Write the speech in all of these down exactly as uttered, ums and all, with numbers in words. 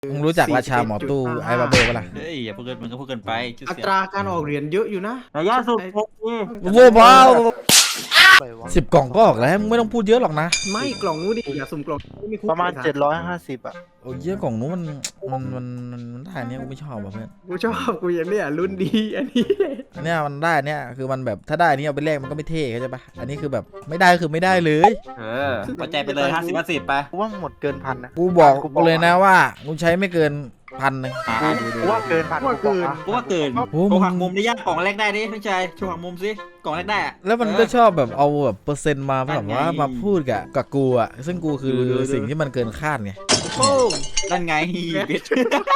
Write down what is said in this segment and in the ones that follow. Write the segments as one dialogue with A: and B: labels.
A: มึงรู้จักราชาหมอตู้ไอ้บาเบอร์ปะล่ะ
B: เฮ้ยอย่าพูดเกินมึงก็พูดเกินไปชื่อ
C: อั
B: เสีย
C: ตราการออกเหรียญเยอะอยู่นะ
B: ระยะสุดพกนี่
A: โว้ว้าวสิบกล่องก็ออกแล้วมึงไม่ต้องพูดเยอะหรอกนะ
C: ไม่กล่องนู้นดิอย่าสุ่มกล่องไม่คุ้
D: ประมาณเจ็ดร้อยห้าสิบอ่ะ
A: โอ้ยเยอะกล่องนู้นมันมันมันมันมันได้อันเนี้ยกูไม่ชอบว่ะเพื่อน
C: กูชอบกูอย่างเนี้ยรุ่นดีอันนี้
A: อันเนี้ยมันได้อันเนี้ยคือมันแบบถ้าได้อันนี้เอาไปแลกมันก็ไม่เท่เข้าใจปะอันนี้คือแบบไม่ได้ก็คือไม่ได้เลย
B: เออปัจจัยไปเลยห้าสิบห้าสิบไป
D: กูว่าหมดเกินพันนะ
A: กูบอกกูเลยนะว่ากูใช้ไม่เกินพันหนึ่ง
B: อ่าดูดู
D: กูว่าเกินพัน
C: ว่าเกิน
B: กูว่าเกิน
A: โอ้
B: โช
A: มึ
B: ว์หั
A: ง
B: กมุมได้ยากกล่องแรกได้ดิพี่ชายโชว์หักมุมสิกล่องแรกได้อะ
A: แล้วมันก็ชอบแบบเอาแบบเปอร์เซ็นต์มาแบบว่ามาพูดกับกับกูอ่ะซึ่งกูคือสิ่งที่มันเกินคาดไง
C: โอ้
B: นั่นไงบิด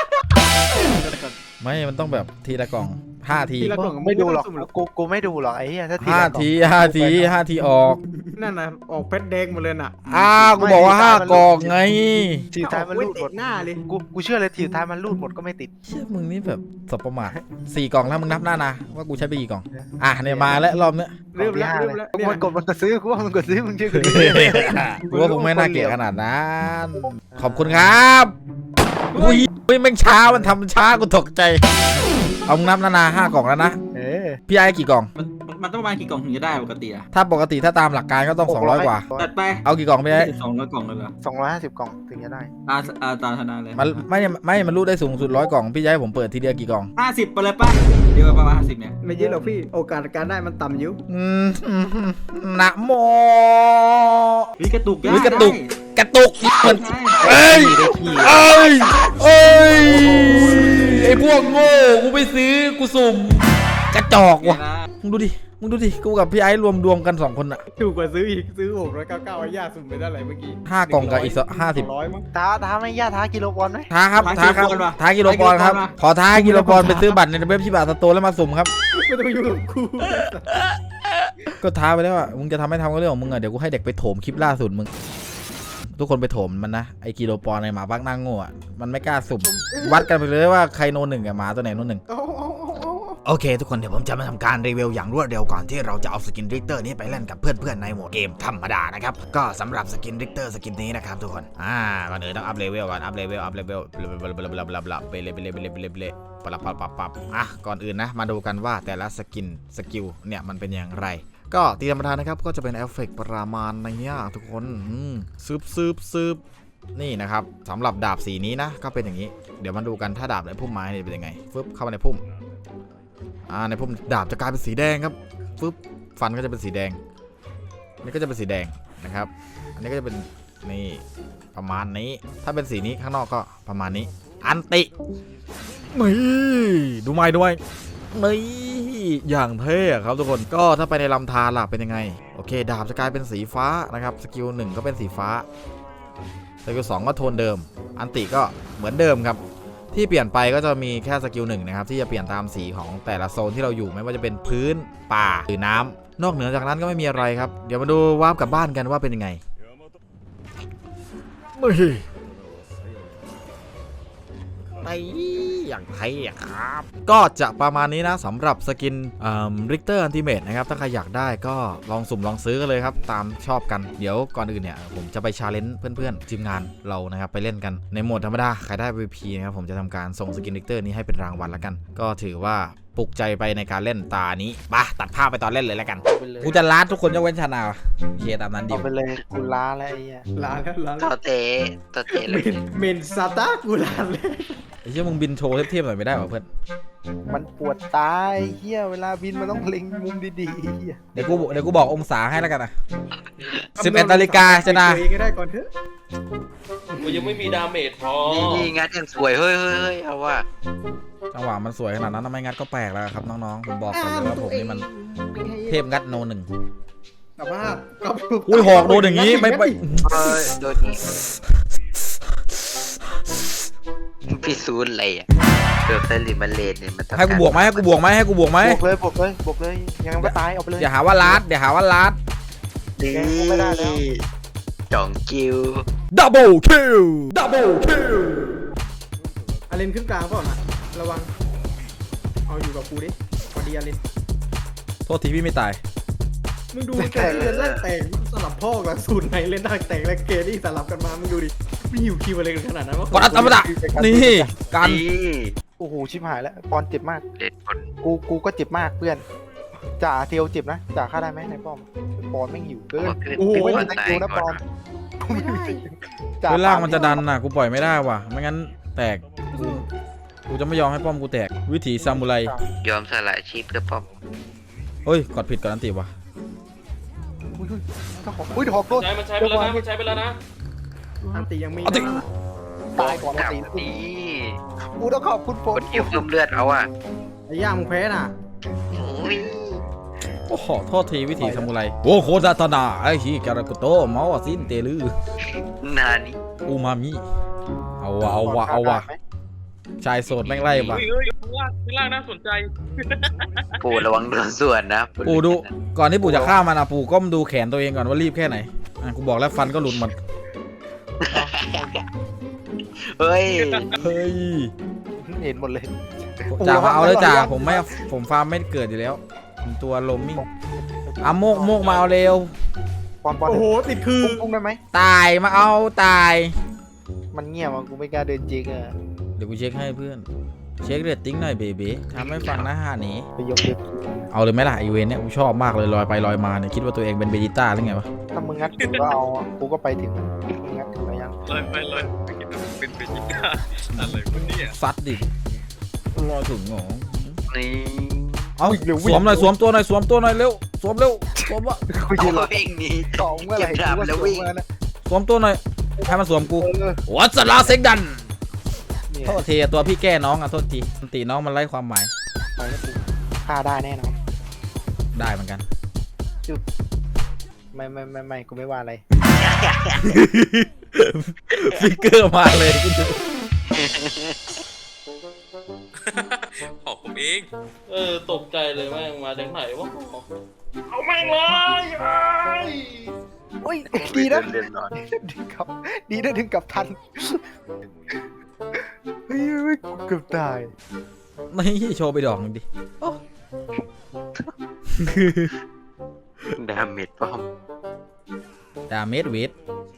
A: ไม่มันต้องแบบทีละกล่องห้าที
C: ทีละกล่อง
D: ไม่ดูหรอก
C: สุ่ม
D: กูกูไม่ดูหรอกไอ้เหี้ยถ้าที
A: ห้า
D: ละกล่อง
A: ทีห้าทีห้าทีออก
C: นั่นนะออกเพชรแดงหมดเลยน่ะ
A: อ้าวกูบอกว่าห้ากล่องไง
D: ทีท้ายมันรูดหมด
C: หน้าเลย
D: กูกูเชื่อเลยทีท้ายมันรูดหมดก็ไม่ติด
A: เชื่อมึงนี่แบบสบประมาทสี่กล่องแล้วมึงนับหน้านะว่ากูใช้ไปกี่กล่องอ่ะเนี่ยมาแล้วรอบเนี้ย
C: เริ่มแล้ว
D: ก
C: เริ่
D: ล่
C: ม
D: อง
C: แล้ว
D: ที่
C: เนี่ย
D: ห้าเลยกูมันกดมันก็ซื้อกูว่ามันกดซื้อมึงเชื่อกูดิ
A: กูว่าคงไม่น่าเกลียดขนาดนั้นขอบคุณครับอุ้ยเฮ้ยแม่งช้ามันทำช้ากูตกใจเอามึงนับหน้านะห้ากล่องแล้วนะ
D: เออ
A: พี่ไอ้กี่กล่อง
B: มันมันต้องประมาณกี่กล่องถึงจะได้ปกติอะ
A: ถ้าปกติถ้าตามหลักการก็ต้องสองร้อยกว่า
B: จัดไป
A: เอากี่กล่องพี่ไอ้
B: สองร้อยกล่องเลยเหรอ
D: สองร้อยห้าสิบกล่องถึงจะได้
B: อาอาตาธนาเลย
A: มันไม่ไม่มันรูดได้สูงสุดร้อยกล่องพี่จะให้ผมเปิดทีเดียวกี่กล่อง
B: ห้าสิบไปเลยป่ะเดี๋ยวประมาณห้าสิบเนี่ย
C: ไม่เยอะหรอกพี่โอกาสการได้มันต่ำอยู่
A: อืมนะโม
B: วิกระตุก
A: วิกระตุก กระตุกเหมือน
B: เอ้
A: เอ้ยเอ้ยเอ้ยไอพวกโง่กูไปซื้อกูสุ่มกระจอกว่ะมึงดูดิมึงดูดิกูกับพี่ไอ้รวมดวงกันสองคนอะ
C: ถูกกว่าซื้ออีกซื้อหกร้อยเก้าเก้าไอ้ย่าสุ่มไปเท่าไหร่เมื่อกี้
A: ห้ากล่องกับอีกห้าสิบ
C: ร้อยมั้ง
D: ท้าท้าไม่ยากท้ากิโลบอลไหม
A: ท้าครับท้าครับท้ากิโลบอลครับขอท้ากิโลบอลไปซื้อบัตรในเว็บที่บาทสโตร์แล้วมาสุ่มครับ
C: ไม่ต้องยุ่งกับกู
A: ก็ท้าไปแล้วอ่ะมึงจะทำไม่ทำก็เรื่องของมึงอ่ะเดี๋ยวกูให้เด็กไปโถมคลิปล่าสุดมึงทุกคนไปโถมมันนะไอ้กิโลปอนในหมาบักนั่งโง่อ่ะมันไม่กล้าสุ่มวัดกันไปเลยว่าใครโนหนึ่งกับหมาตัวไหนโนหนึ่ง
C: เอาเอาเอาเอา
A: โอเคทุกคนเดี๋ยวผมจะมาทำการรีวิวอย่างรวดเร็วก่อนที่เราจะเอาสกินริกเตอร์นี้ไปเล่นกับเพื่อนๆในโหมดเกมธรรมดานะครับก็สำหรับสกินริกเตอร์สกินนี้นะครับทุกคนอ่าก่อนอื่นต้องอัพเลเวลก่อนอัพเลเวลอัพเลเวลไปเลยไปเลยไปเลยไปเลยไปเลยไปเลยไปเลยปรับปรับปรับปรับอ่ะก่อนอื่นนะมาดูกันว่าแต่ละสกินสกิลเนี่ยมันเป็นอย่างไรก็ตีธรรมดานะครับก็จะเป็นเอฟเฟกต์ประมาณนี้ทุกคนซืบซืบซืบนี่นะครับสำหรับดาบสีนี้นะก็เป็นอย่างนี้เดี๋ยวมาดูกันถ้าดาบในพุ่มไม้เป็นยังไงฟึบเข้ามาในพุ่มอ่าในพุ่มดาบจะกลายเป็นสีแดงครับฟึบฟันก็จะเป็นสีแดงนี่ก็จะเป็นสีแดงนะครับอันนี้ก็จะเป็นนี่ประมาณนี้ถ้าเป็นสีนี้ข้างนอกก็ประมาณนี้อันตินี่ดูไม้ด้วยนี่อย่างเท่ครับทุกคนก็ถ้าไปในลำธารล่ะเป็นยังไงโอเคดาบจะกลายเป็นสีฟ้านะครับสกิลหนึ่งก็เป็นสีฟ้าสกิลสองก็โทนเดิมอันติก็เหมือนเดิมครับที่เปลี่ยนไปก็จะมีแค่สกิลหนึ่งนะครับที่จะเปลี่ยนตามสีของแต่ละโซนที่เราอยู่ไม่ว่าจะเป็นพื้นป่าหรือน้ำนอกเหนือจากนั้นก็ไม่มีอะไรครับเดี๋ยวมาดูวาร์ปกลับบ้านกันว่าเป็นยังไงไม่ไปอย่างไทยครับก็จะประมาณนี้นะสำหรับสกินริกเตอร์อันติเมตนะครับถ้าใครอยากได้ก็ลองสุ่มลองซื้อกันเลยครับตามชอบกันเดี๋ยวก่อนอื่นเนี่ยผมจะไปชาเลนจ์เพื่อนๆทีมงานเรานะครับไปเล่นกันในโหมดธรรมดาใครได้ วี พี นะครับผมจะทำการส่งสกินริกเตอร์นี้ให้เป็นรางวัลแล้วกันก็ถือว่าปลุกใจไปในการเล่นตานี้ปะตัดภาพไปตอนเล่นเลยแล้วกันกูจะล้าทุกคนยกเว้นชานาโอเคตามนั้นดิ
D: เอาไปเลยกูล้าแล้วไอ้เหี้ย
C: ลาแล้วลา
E: ต่
C: แล้
E: อ
C: ว
E: เตะต่อเตะเล
C: เม
E: ย
C: นเมนซาตากูลาเลย
A: ไอ้เชี่ยมึงบินโชว์เทียบๆหน่อยไม่ได้หรอเพื่อน
D: มันปวดตายเหี้ยเวลาบินมันต้องเล็งมุมดีๆเหี้ย
A: เดี๋ยวกูเดี๋ยวกูบอกองศาให้แล้วกันนะสิบเอ็ดนาฬิกาชนะ
C: เองก็ได้ก่อนเถอะ
F: กูยังไม่มีดาเมจพอ
E: นี่นี่งัดอย่างสวยเฮ้ยเฮ้ยเฮ้ยเอาว่า
A: จังหวะมันสวยขนาดนั้นทำไมงัดก็แปลกแล้วครับน้องๆผมบอกก่อนเลยว่าผมนี่มันเทพงัดโนหนึ่ง
C: กลับบ้านกลับ
A: อุ้ยหอกโดนอย่างนี้ไม่ไป
E: เฮ้ยโดนนี้พี่ซูนอะไรอ่ะเดือบไซริมันเลนเนี่ยมัน
A: ให้กูบวกไหมให้กูบวกไหมให้กูบวกไหม
D: บวกเลยบวกเลยบวกเลยยังไม่ตายเอาไปเลย
A: อย่าหาว่าลัดอย่าหาว่าลัด
E: ดี
D: แกงกูไม่ได้แล้ว
E: จ่องกิว
A: ดับเบิลคิลดับเบิลคิล
C: อาเลนขึ้นกลางเปล่านะระวังเอาอยู่กับกูดิพอดีอาเลน
A: โทษทีพี่ไม่ตาย
C: มึงดูแกเล่นแรกแต่งสลับพ่อกับสูตรไหนเล่นได้แต่งและเกนี่สลับกันมามึงดูดิไม่หิวคิวอะไรกันขนาดนั้นวะ
A: กดอัตมดะนี่กัน
E: นี่
D: โอ้โหชิบหายแล้วปอนเจ็บมาก
E: เด็ดคน
D: กูกูก็เจ็บมากเพื่อนจ่าเทียวเจ็บนะจ่าฆ่าได้ไหมในป้อมปอนไม่งหิวเกิน
E: ขึ้น
D: โอ้โห
E: ไม่
D: ไม่
E: ได้
D: ได้คิวนะปอนกูไม่ได้จ่า
A: เวลล่างมันจะดันน่ะกูปล่อยไม่ได้ว่ะไม่งั้นแตกกูกูจะไม่ยอมให้ป้อมกูแตกวิถีซามูไร
E: ยอมสละชีพเพื่อป้อม
A: เฮ้ยกดผิดกดอันติว่ะ
D: อุ้ยอุ้ยถ้าของอุ้ยหอกโดน
F: ใช้มันใช้ไปแล้วนะมันใช้ไปแล้วนะ
C: อันตียังมี
A: อันติ
C: นะ
D: ตายก่อน
E: กลับ
D: ตี
E: ดี
D: กูต้องขอบคุณโฟ
E: คน นหิวเพิ่มเลือดเอาอ่ะ
C: ไอ้ย่ามึงแพ้น่ะ
E: โอ้ย
A: โอ้โหโทษทีวิถีซามูไรโอ้โคดาตนาไอ้ฮีการากุโตเมาสินเตลือ
E: นานี่
A: อูมามิเอาวะเอาวะเอาวะชายโสดแม่งไล่ว่ะ
F: เฮ้ยเฮ้ยข้างล่างข้างล่างน่าสนใจ
E: ปู่ระวังโดนส่วนนะ
A: ปู่ดูก่อนที่ปู่จะฆ่ามันอะปู่ก้มดูแขนตัวเองก่อนว่ารีบแค่ไหนอ่ะกูบอกแล้วฟันก็หลุดหมด
E: เฮ้ย
A: เฮ้ย
D: เห็นหมดเลย
A: จ่ามาเอาเลยจ่าผมไม่ผมฟาร์มไม่เกิดอยู่แล้วผมตัวลมมิ่งอ่ะโมกโมกมาเอาเร็ว
D: ปอนปอน
C: โอ้โหติดคือ
D: ปุ้งปุ้งได้ไหม
A: ตายมาเอาตาย
D: มันเงียบอ่ะกูไม่กล้าเดินจริงอ่ะ
A: เดี๋ยวกูเช็คให้เพื่อนเช็คเรตติ้งหน่อยเบบีทำให้ฟังนะฮะนี้
D: ไปยกเด็ก
A: เอาเลยไหมล่ะอีเวนต์เนี่ยกูชอบมากเลยลอยไปลอยมาเนี่ยคิดว่าตัวเองเป็นเบจิต้าหรือไงวะ
D: ถ้ามึงงัดถึงก็เอาอ่ะกูก็ไปถึงมึงงัดถึงแล้วยัง
F: ลอยไปลอยไปกินเป็นเบจิต้าอะไรวะเนี่ย
A: ซัดดิรอถึงหงอ
E: นี่
A: เอาสวมหน่อยสวมตัวหน่อยสวมตัวหน่อยเร็วสวมเร็วสวมวะ
D: กูยืนรอ
E: เอาเองนี่
D: สองเมื่อไหร่
E: เก็บดาบ
D: กูก็
E: แล้ววิ่ง
D: สมานะ
A: สวมตัวหน่อยให้มันสวมกู
D: เออ
A: วัสลาเซ็กดัน
D: เนี่ย
A: โทษทีตัวพี่แก้น้องอ่ะโทษทีตีน้องมันไร้ความหมาย
D: ไปแล้วกูฆ่าได้แน่นอน
A: ได้เหมือนกัน
D: ไม่ไม่ไม่ไม่กูไม่ว่าอะไร
A: ฟิกเกอร์มาเลย
F: ขอบผมเองเออตกใจเลยแม่งมาจากไหนวะเอาแม่งเลยไอ้
D: โอ้ยดีนะ
E: เดินนอน
D: ดึงกลับดีนะดึงกลับทันเฮ้ยเฮ้ยกูเกือบตาย
A: นี่โชว์ไปดอกหนึงดิโอ้
E: ดาเมจป้อม
A: ดาเมจเวท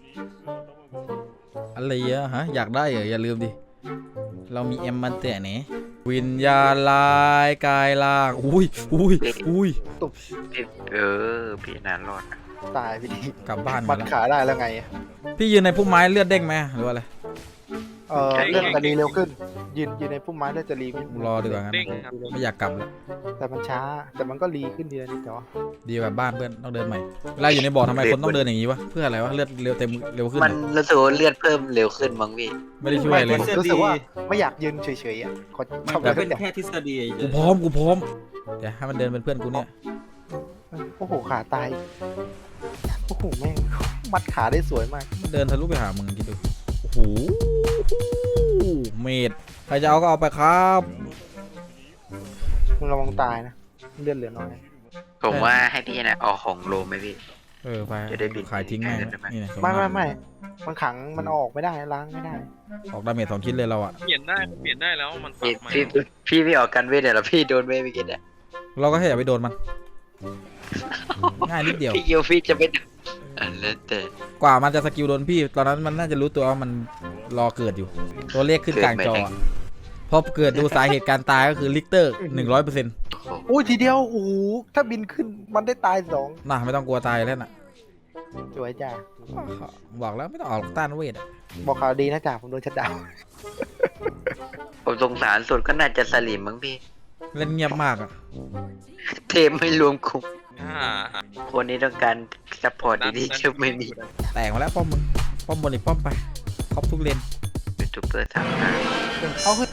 A: อะไรอะฮะอยากได้เหรออย่าลืมดิเรามีเอ็มมันแต่ไหนวิญญาณลายกายล่างอุ้ยอุ้ยอุ้ย
E: พี่เออพี่นานรอดนะ
D: ตายพี่ดี
A: กลับบ้าน
D: มั
A: มา
D: ด
A: แล้ว
D: ขาได้แล้วไง
A: พี่ยืนในพุ่มไม้เลือดเด้งไหมหรือว่าอะไร
D: เออเลื่อนจะรีเร็วขึ้น ยืนยืนในพุ่มไม้เลื่อนจะรีไม่
A: รอดีกว่างั้น
F: เด้งครับ
A: ไม่อยากกลับแล้ว
D: แต่มันช้า แต่มันก็รีขึ้นเดือนนิดแต่ว่า
A: ดีแบบบ้านเพื่อนต้องเดินใหม่เวลาอยู่ในบ่อทำไมคนต้องเดินอย่างนี้วะเพื่ออะไรวะเลือดเร็วเต็มเร็วขึ้น
E: มันรู้สึกว่าเลือดเพิ่มเร็วขึ้นมั้งพี่
A: ไม่ได้ช่วยเลย
D: รู้สึกว่าไม่อยากยืนเฉยๆอ่ะขอ
B: มัน
D: ทำ
B: ก็
D: อะไร
B: เป็น
D: สักอย่าง
B: แค่ทฤษฎี
A: กูพร้อมกูพร้อมเดี๋ยวให้มันเดินเป็นเพื่อนกูเนี่ย
D: โอ้โหขาตายโอ้โหแม่งมัดขาได้สวยมาก
A: มันเดินทะลุไปหามึงคิดดูโอ้โหเมดใครจะเอาก็เอาไปครับ
D: มึงระวังตายนะเลือดเหลือน้อย
E: ผมว่าให้พี่นะเอาของโลไหมพี่
A: เออไป
E: จะได้บิน
A: ขายทิ้งแม่ง
E: ได้ไหม
A: นี่นะ
D: ไม่ไม่ไม่มันขังมันเอาออกไม่ได้ล้างไม่ได้
A: ออกดาเมจสองชิ้นเลยเราอะ
F: เปลี่ยนได้เปลี่ยนได้แล้วมันปรั
E: พี่
F: บใหม่
E: พี่พี่ไม่ออกกันเวทเดี๋ยวพี่โดนเวทไปกินอ่ะ
A: เราก็แค่อย่าไปโดนมัน ง่ายนิดเดียว
E: พี่เกียวพี่จะไม่อันแล้วแต่
A: กว่ามันจะสกิลโดนพี่ ตอนนั้นมันน่าจะรู้ตัวว่ามันรอเกิดอยู่ ตัวเลขขึ้นกลางจออะพอเกิดดูสาเหตุการตายก็คือลิกเตอร์หนึ่งร้อยเปอร์เซ็นต์
E: โอ้โห
D: โอ้ยทีเดียวโอ้โหถ้าบินขึ้นมันได้ตายสอง
A: น่ะไม่ต้องกลัวตายแล้วน่ะ
D: สวยจ้า
A: บอกแล้วไม่ต้องออกต้านเวทอะ
D: บอกข่าวดีนะจ่าผมโดนชัดดาวน์
E: ผมสงสารสุดก็น่าจะสลิมมั้งพี่
A: เล่นเงียบมากอะ
E: เทมไม่รวมคุม
F: อ่า
E: คนนี้ต้องการซัพพอร์ตดีๆจะไม่มี
A: แตกมาแล้วป้อมมึงป้อมบนอีกป้อมไปครบทุกเลน
E: ยูทูบเบอร์ทำงาน
D: เอาขึ้น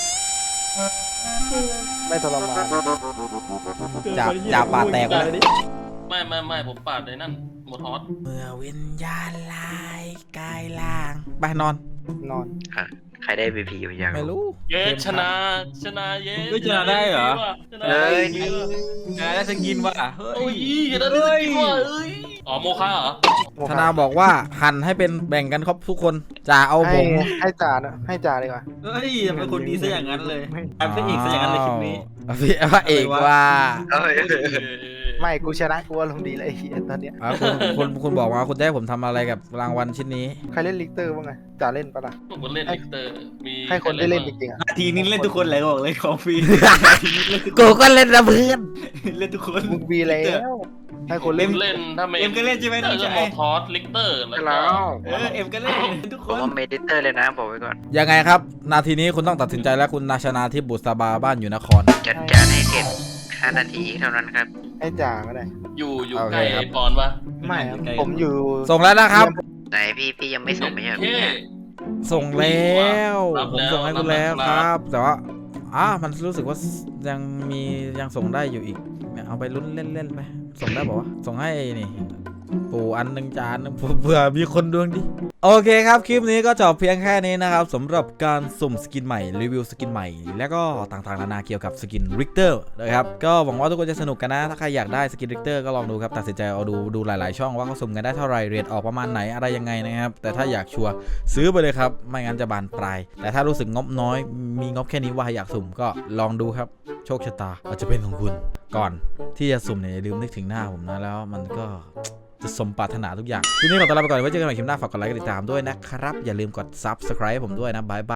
D: ไม่ทรมาน
A: จ่าจ่าปาดแตกไปแล้ว
F: ไม่ไม่ไม่ผมปาดในนั่นหมดฮอต
A: เมื่อวิญญาณลายกายล่างไปนอน
D: นอน
E: อ่ะใครได้บีพีอยู่ยัง
A: ไม่รู้
F: เย้ชนะชนะเย้
B: เฮ้ยชนะได้เหรอ
F: ชนะ
E: เฮ้ย
B: ชนะได้สกินว่ะเฮ้
F: โอ้ย
B: ย
F: ชนะได้สกิลว่ะเอ้ยอ๋อโมฆะเหรอ
A: ธนาบอกว่าหั่นให้เป็นแบ่งกันครบทุกคนจ่าเอาผ
D: ให้
A: ง
D: ให้จ่านะให้จ่าดีกว่า
B: เฮ้ยเป็นคนดีซะอย่างนั้นเลยกลายเป็นเอกซะอย่างนั้นเลยคลิปนี้
A: พี่พระเอกว่า
E: เอ้ย
B: ม
D: ไม่กูชนะกูอารมณ์ดีเลยไอ้เหี้ยตอนเนี้ย
A: อ่ะคุณคุณคุณบอกว่าคุณจะให้ผมทำอะไรกับรางวัลชิ้นนี้
D: ใครเล่นลิกเตอร์บ้างไงจ่าเล่นปะล่ะ
F: ผมก็เล่นลิกเตอร์มี
D: ให้คนได้เล่นจริงๆอ่ะ
B: นาทีนี้เล่นทุกคนเลยบอกเลยของฟรีนาทีนี้เล่นทุกคน
A: กูก็เล่นนะเพื่อน
B: เล่นทุกคน
D: มึงมีแล้วให้คน
F: เล่
D: เล่
F: น
D: น
F: เล่นถ้าไม่
B: เอ็มก็เล่นใช่ไหมน้อง
F: จะ
B: ชาย
F: มอทอสลิกเตอร์แล้วก็
E: แล้ว
B: เออเอ็มก็เล่นเล่นทุกค
E: ผม
B: น
E: ว่าเมดิเตอร์เลยนะบอกไว้ก่อน
A: ยังไงครับ นาทีนี้คุณต้องตัดสินใจแล้วคุณนาชนาทิพย์บุษบาบ้านอยู่นคร
E: จัดการให้เสร็จห้านาทีเท่านั้นครับ
D: ให้จ่าก็ได้
F: อยู่อยู่
A: โอเค
F: ใกล้
A: ครับ
F: ไอ้ปอนปะ
D: ไม่ครับผมอยู่
A: ส่งแล้วนะครับ
E: ไหนพี่พี่ยังไม่ส่งไม่ใช่เหรอ
F: เท่
A: ส่งแล้ว
F: รับ
A: ผม
F: แล้ว
A: ส่งให้คุณแล้ว
F: รับ
A: ค
F: แล้ว
A: รับ แต่ว่าอ่ามันรู้สึกว่ายังมียังส่งได้อยู่อีกเนี่ยเอาไปลุ้นเล่นๆไปส่งได้บอกว่าส่งให้นี่ปู่อันหนึ่งจานหนึ่งเผื่อมีคนดวงดีโอเคครับคลิปนี้ก็จบเพียงแค่นี้นะครับสำหรับการสุ่มสกินใหม่รีวิวสกินใหม่ แล้วก็ต่างๆนานาเกี่ยวกับสกินริกเตอร์นะครับก็หวังว่าทุกคนจะสนุกกันนะถ้าใครอยากได้สกินริกเตอร์ก็ลองดูครับตัดสินใจเอาดูดูหลายๆช่องว่าเขาสุ่มกันได้เท่าไหร่เรทออกประมาณไหนอะไรยังไงนะครับแต่ถ้าอยากชัวร์ซื้อไปเลยครับไม่งั้นจะบานปลายแต่ถ้ารู้สึกงบน้อยมีงบแค่นี้ว่าอยากสุ่มก็ลองดูครับโชคชะตาอาจจะเป็นของคุณก่อนที่จะสุ่มเนี่ยอย่าลืมนึกถึงหน้าผมนะแล้วมันก็จะสมปรารถนาทุกอย่างคลิปนี้ขอตัวลาไปก่อนไว้เจอกันใหม่คลิปหน้าฝากกดไลค์กดติดตามด้วยนะครับอย่าลืมกด ซับสไครบ์ ผมด้วยนะบายบาย